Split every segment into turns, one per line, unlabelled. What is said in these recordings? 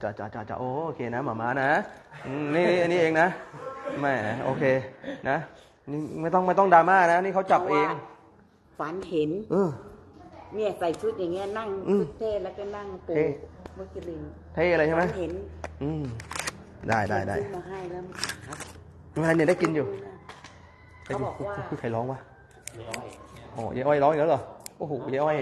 จะโอเคนะหมาม้านะนี่อันนี้เองนะแหมโอเคนะนี่ไม่ต้องดราม่านะนี่เขาจับเอง
ฝันเห็นเนี่ยใส่ชุดอย่างเงี้ยนั่งชุดเท่แล้วก็นั่งปูมุจลิน
เท่อะไรใช่ไหม
เห็น
ได้
มาให้แล้วครับ
ไม่ให้เนี่ยได้กินอยู่
เขาบอกว่า
ใครร้องวะโอ้ยอ้อยร้องอีกแล้วเหรอโอ้โหยอ้อย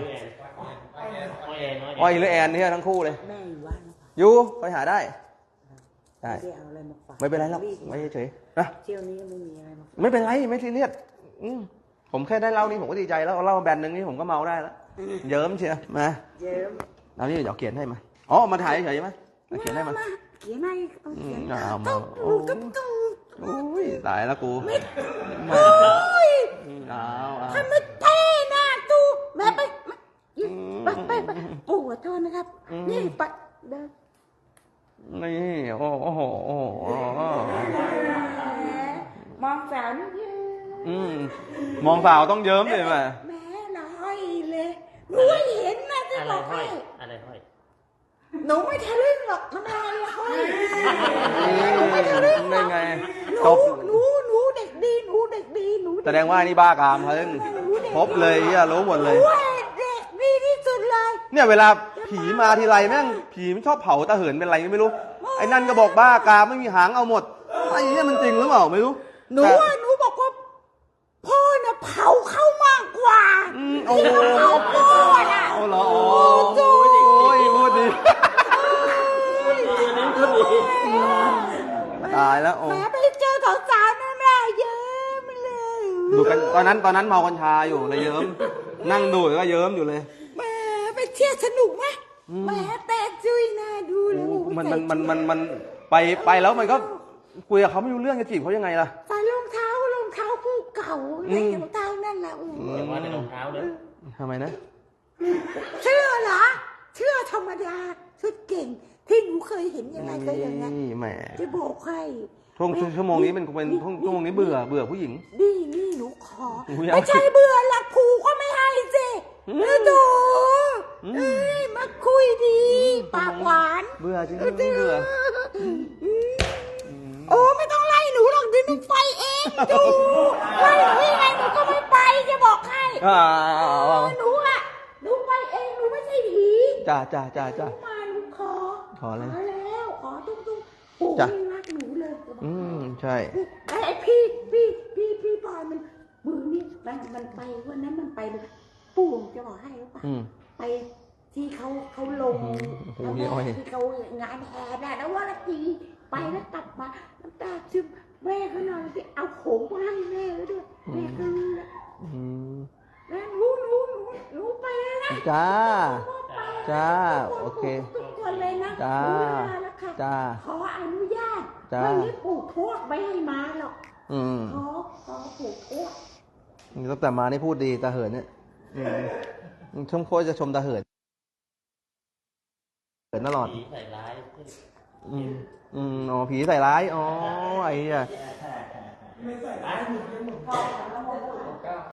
หรือแอนเนี่ยทั้งคู่เลย
แม่อยู่บ้าน
อยู่ไปหาได้
ไม่ได้เอาอะไรมาฝาก
ไม่เป็นไรหรอกไม่เฉยนะ
เที่ยวนี้ไม่มีอะไรมา
ไม่เป็นไรไม่ซีเรียสผมแค่ได้เหล้านี่ผมก็ดีใจแล้วเหล้าแบนหนึ่งนี่ผมก็เมาได้แล้วเยิ้มเชียวมา
เยิ้ม
เอานี่เดี๋ยวเขียนให้มาอ๋อมาถ่ายเฉยไหมเขียนให้มา
เขียนให้ต้องเขียน
ต้องโอ้ยตายแล้วกู
ทำไม่เท่นะตูแม่ไปปู่ขอโทษนะครับนี่ไปเดิน
นี่โอ้โห
มองสาวนี่
มองสาวต้องเยิ้มเลยแม่
ละห้อยเลยหนูเห็นนะจะบอกให้
อะไรห้อย
หนูไม่ทะลึ่งหรอกทำไมละห้อยหนูไม่ทะลึ่ง
ได้ไง
หนูเด็กดีหนูเด็กดีหนู
แสดงว่านี่บ้ากามเพิ่งพบเลยอ่ะรู้หมดเลย
เด็กดีที่สุดเลย
เนี่ยเวลาผีมาทีไรแม่งผีมันชอบเผาตาเหินเป็นไรไม่รู้ไอ้นั่นก็บอกบ้ากามไม่มีหางเอาหมดไอ้เนี่ยมันจริงหรือเปล่าไม่รู้
หนูบอกว่าพ่อน่ะเผาเข้ามากกว่า
โอ้
เผาพ่อน่ะ
เอาเหรอโอ้ยพูดดีตายแล้วโอ้
แม่ไปเจอสาวๆนั่นแหละเยิ้มเลย
ดูกันตอนนั้นเมากัญชาอยู่เลยเยิ้มนั่งดูก็เยิ้มอยู่เลย
แม่ไปเที่ยวสนุกไหมแม่แต่จุ้ยน่าดูเลย
มันไปแล้วมันก็คุยกับเขาไม่รู้เรื่องจะจีบเขายังไงล่ะ
ใส่รองเท้าคู่เก่าในรองเท้านั่นแหละ
อย่าว่าแต่รองเท้าเลย
ทำไมนะ
เชื่อเหรอเชื่อธรรมดาชุดเก่งที่หนูเคยเห็นยังไงก็อย่างนั้น
แหม
จะบอกให้
ชั่วโมงนี้เป็นชั่วโมงนี้เบื่อผู้หญิง
นี่หนูขอไม่ใช่เบื่อหลักผูก็ไม่ให้สิดูมาคุยดีปากหวาน
เบื่อจริงไม่เบื่อ
โอ้ไม่ต้องไล่หนูหรอกดิหนูไปเองดูไล่หนูยังไงหนูก็ไม่ไปจะบอกให้หนูไปเองหนูไม่ใช่ผี
จ้า
มาหนูขอแล้วขอตุ้มปู่รักหนูเลย
ใช่
ไอ้พี่บอยมันมือนี่มันไปวันนั้นมันไปปู่จะบอกให้หรือเปล่าไปที่เขาลงที่เขางานแห่ได้แล้วว่าละทีไปแล้วกลับมาน้ำตาซึมแม่เขานอนที่เอาโขงมาให้แม่ด้วยแม่ก็รู้แล้วหนูไปแล้วนะ
จ้าโอเค
ทุกคนเลยนะ
จ้า
ขออนุญาตไม่ได้ปลูกโทษไม่ให้มาหรอกขอปลูกโทษ
ตั้งแต่มานี่พูดดีตาเหินเนี่ยชมโคจะชมตาเหินตลอด
ผีใส่ร้าย
อ๋อผีใส่ร้ายอ๋อไอ้